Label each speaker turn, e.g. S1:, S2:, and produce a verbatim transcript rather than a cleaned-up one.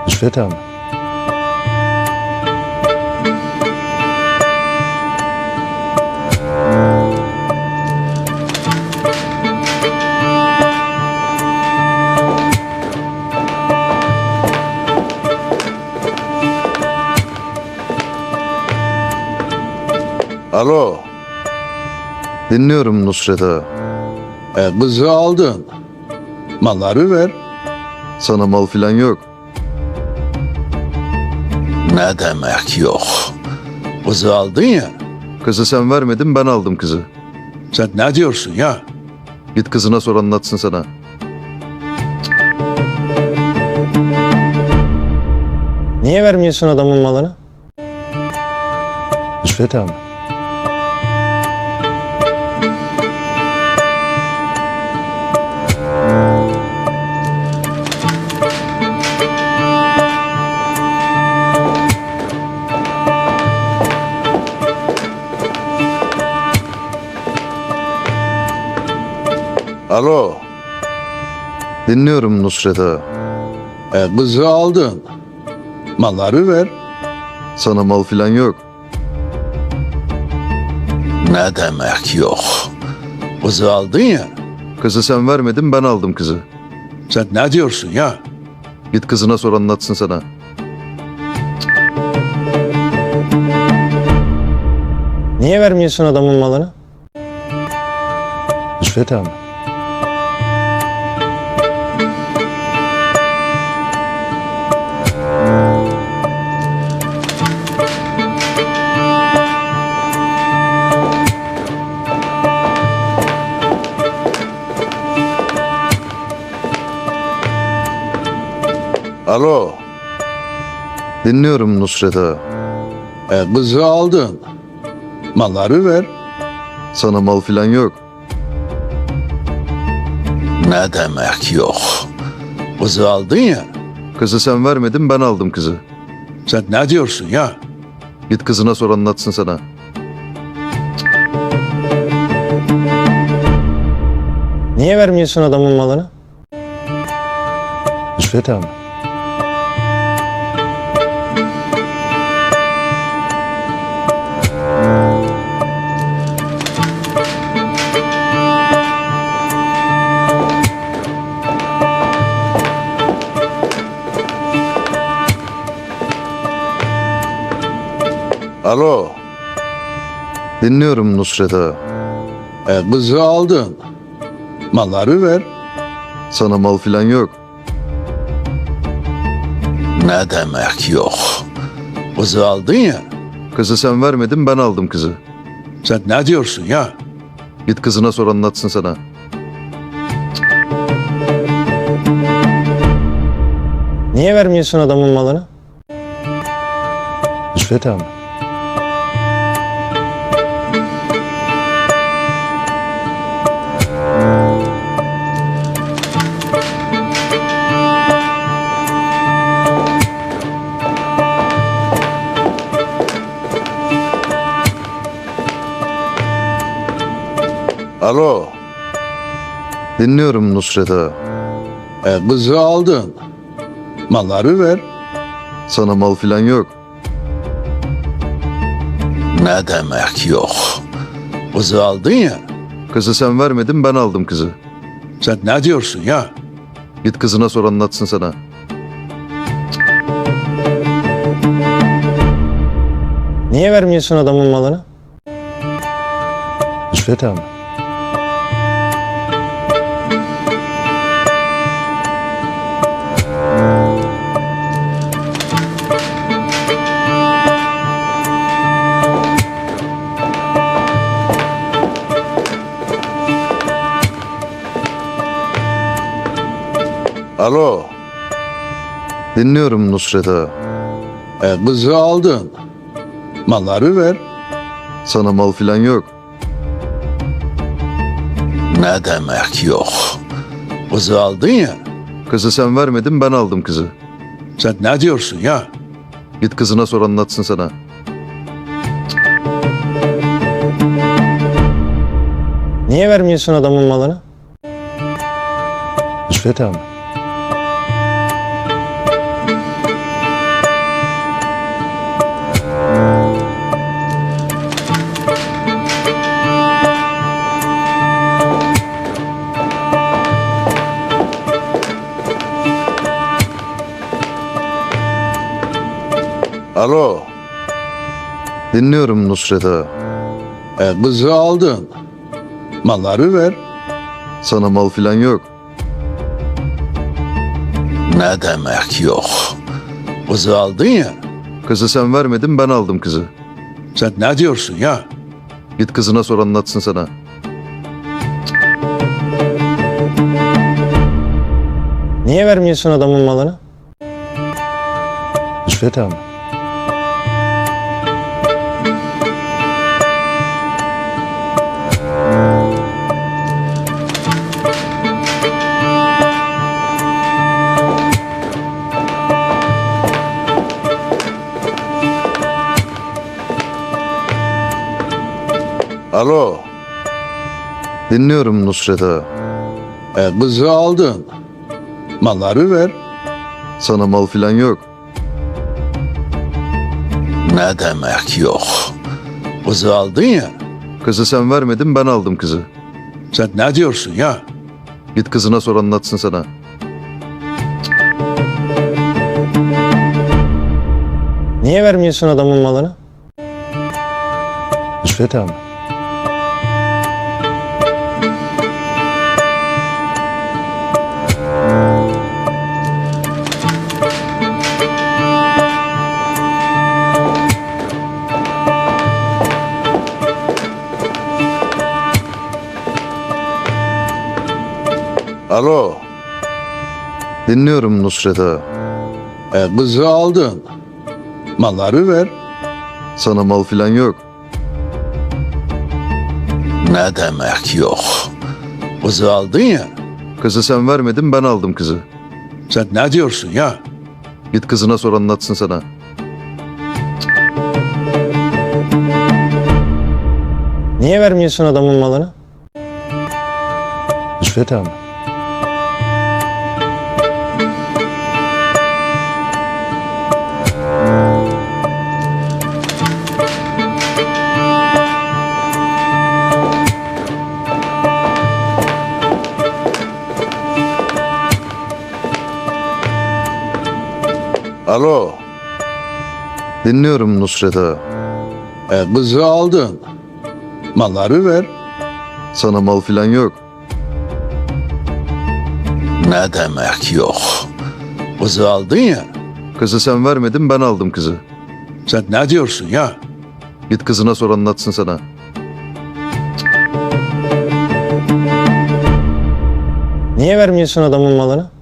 S1: Rüşvet abi.
S2: Alo,
S1: Dinliyorum Nusret ağa.
S2: e, kızı aldın. Malları ver.
S1: Sana mal filan yok.
S2: Ne demek yok? Kızı aldın ya.
S1: Kızı sen vermedin, ben aldım kızı.
S2: Sen ne diyorsun ya?
S1: Git kızına sor, anlatsın sana.
S3: Niye vermiyorsun adamın malını?
S1: Rüşvet abi.
S2: Alo,
S1: Dinliyorum Nusret ağa.
S2: e, kızı aldın. Malları ver.
S1: Sana mal filan yok.
S2: Ne demek yok? Kızı aldın ya.
S1: Kızı sen vermedin, ben aldım kızı.
S2: Sen ne diyorsun ya?
S1: Git kızına sor, anlatsın sana.
S3: Niye vermiyorsun adamın malını?
S1: Rüşvet abi.
S2: Alo,
S1: Dinliyorum Nusret ağa.
S2: e, kızı aldın. Malları ver.
S1: Sana mal filan yok.
S2: Ne demek yok? Kızı aldın ya.
S1: Kızı sen vermedin, ben aldım kızı.
S2: Sen ne diyorsun ya?
S1: Git kızına sor, anlatsın sana.
S3: Niye vermiyorsun adamın malını?
S1: Rüşvet abi.
S2: Alo,
S1: Dinliyorum Nusret ağa.
S2: e, kızı aldın. Malları ver.
S1: Sana mal filan yok.
S2: Ne demek yok? Kızı aldın ya.
S1: Kızı sen vermedin, ben aldım kızı.
S2: Sen ne diyorsun ya?
S1: Git kızına sor, anlatsın sana.
S3: Niye vermiyorsun adamın malını?
S1: Rüşvet abi.
S2: Alo,
S1: Dinliyorum Nusret ağa.
S2: e, kızı aldın. Malları ver.
S1: Sana mal filan yok.
S2: Ne demek yok? Kızı aldın ya.
S1: Kızı sen vermedin, ben aldım kızı.
S2: Sen ne diyorsun ya?
S1: Git kızına sor, anlatsın sana.
S3: Niye vermiyorsun adamın malını?
S1: Rüşvet abi.
S2: Alo,
S1: Dinliyorum Nusret ağa.
S2: e, kızı aldın. Malları ver.
S1: Sana mal filan yok.
S2: Ne demek yok? Kızı aldın ya.
S1: Kızı sen vermedin, ben aldım kızı.
S2: Sen ne diyorsun ya?
S1: Git kızına sor, anlatsın sana.
S3: Niye vermiyorsun adamın malını?
S1: Rüşvet abi.
S2: Alo.
S1: Dinliyorum Nusret ağa.
S2: E, kızı aldın. Malları ver.
S1: Sana mal filan yok.
S2: Ne demek yok? Kızı aldın ya.
S1: Kızı sen vermedin, ben aldım kızı.
S2: Sen ne diyorsun ya?
S1: Git kızına sor, anlatsın sana.
S3: Niye vermiyorsun adamın malını? Nusret abi.
S2: Alo.
S1: Dinliyorum Nusret ağa.
S2: E, kızı aldın. Malları ver.
S1: Sana mal filan yok.
S2: Ne demek yok? Kızı aldın ya.
S1: Kızı sen vermedin, ben aldım kızı.
S2: Sen ne diyorsun ya?
S1: Git kızına sor, anlatsın sana.
S3: Niye vermiyorsun adamın malını? Nusret abi.
S2: Alo.
S1: Dinliyorum Nusret ağa.
S2: E, kızı aldın. Malları ver.
S1: Sana mal filan yok.
S2: Ne demek yok? Kızı aldın ya.
S1: Kızı sen vermedin, ben aldım kızı.
S2: Sen ne diyorsun ya?
S1: Git kızına sor, anlatsın sana.
S3: Niye vermiyorsun adamın malını? Nusret abi.
S2: Alo.
S1: Dinliyorum Nusret ağa.
S2: E, kızı aldın. Malları ver.
S1: Sana mal filan yok.
S2: Ne demek yok? Kızı aldın ya.
S1: Kızı sen vermedin, ben aldım kızı.
S2: Sen ne diyorsun ya?
S1: Git kızına sor, anlatsın sana.
S3: Niye vermiyorsun adamın malını?